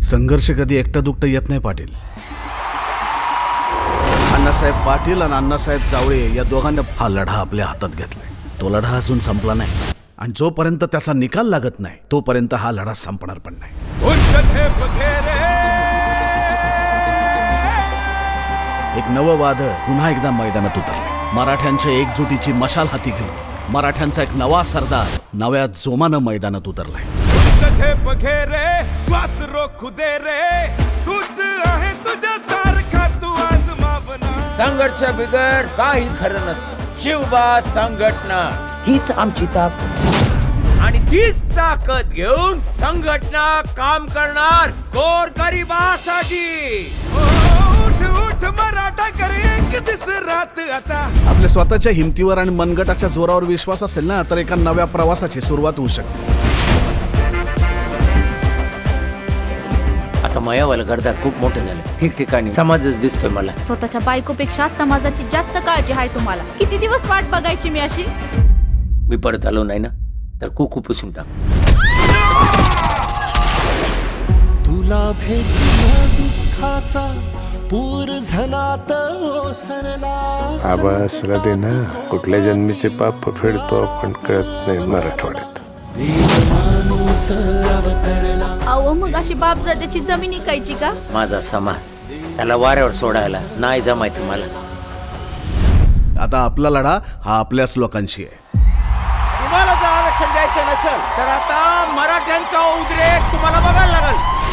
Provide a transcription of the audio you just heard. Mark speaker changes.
Speaker 1: संघर्ष कधी एकटं दुकटं येत नाही पाटील. अण्णासाहेब पाटील आणि अण्णासाहेब जावळे या दोघांना हा लढा आपल्या हातात घेतलाय. तो लढा अजून संपला नाही आणि जोपर्यंत त्याचा निकाल लागत नाही तोपर्यंत हा लढा संपणार पण नाही. एक नवं वादळ पुन्हा एकदा मैदानात उतरले. मराठ्यांच्या एकजुटीची मशाल हाती घेऊन मराठ्यांचा एक नवा सरदार नव्या जोमानं मैदानात उतरलाय.
Speaker 2: श्वास रोखू दे रे, तूच आहे तुझ्या सारखा तू आज मावना.
Speaker 3: संघर्ष बिगर काही खरं नसतं. शिवबा संघटना हीच आमची ताकद आणि तीच ताकद घेऊन संघटना काम करणार गोरगरिबासाठी.
Speaker 2: उठ उठ मराठा करे एक दिस रात आता.
Speaker 1: आपल्या स्वतःच्या हिमतीवर आणि मनगटाच्या जोरावर विश्वास असेल ना तर एका नव्या प्रवासाची सुरुवात होऊ शकते.
Speaker 3: आता मायावाला गर्दार खूप मोठं झालं. ठिकठिकाणी समाजच दिसतोय मला.
Speaker 4: स्वतःच्या बायकोपेक्षा समाजाची जास्त काळजी आहे तुम्हाला. किती दिवस वाट बघायची मी अशी.
Speaker 3: मी परत आलो नाही ना तर कुकू पुसून टाक.
Speaker 5: तुला भेटला दुःखाचा पूर झनात ओसरला.
Speaker 6: आबाळा श्रद्धे ना कुठल्या जन्मीचे पाप फेडतो आपण कळत नाही मराठवाड्यात.
Speaker 5: माणूस अवतरला.
Speaker 4: अहो मग अशी बापजात्याची जमीन इकायची का.
Speaker 3: माझा समाज त्याला वाऱ्यावर सोडायला नाही जमायचं मला.
Speaker 1: आता आपला लढा हा आपल्याच लोकांशी आहे.
Speaker 3: तुम्हाला जर आरक्षण द्यायचं नसेल तर आता मराठ्यांचा उद्रेक तुम्हाला बघायला लागेल.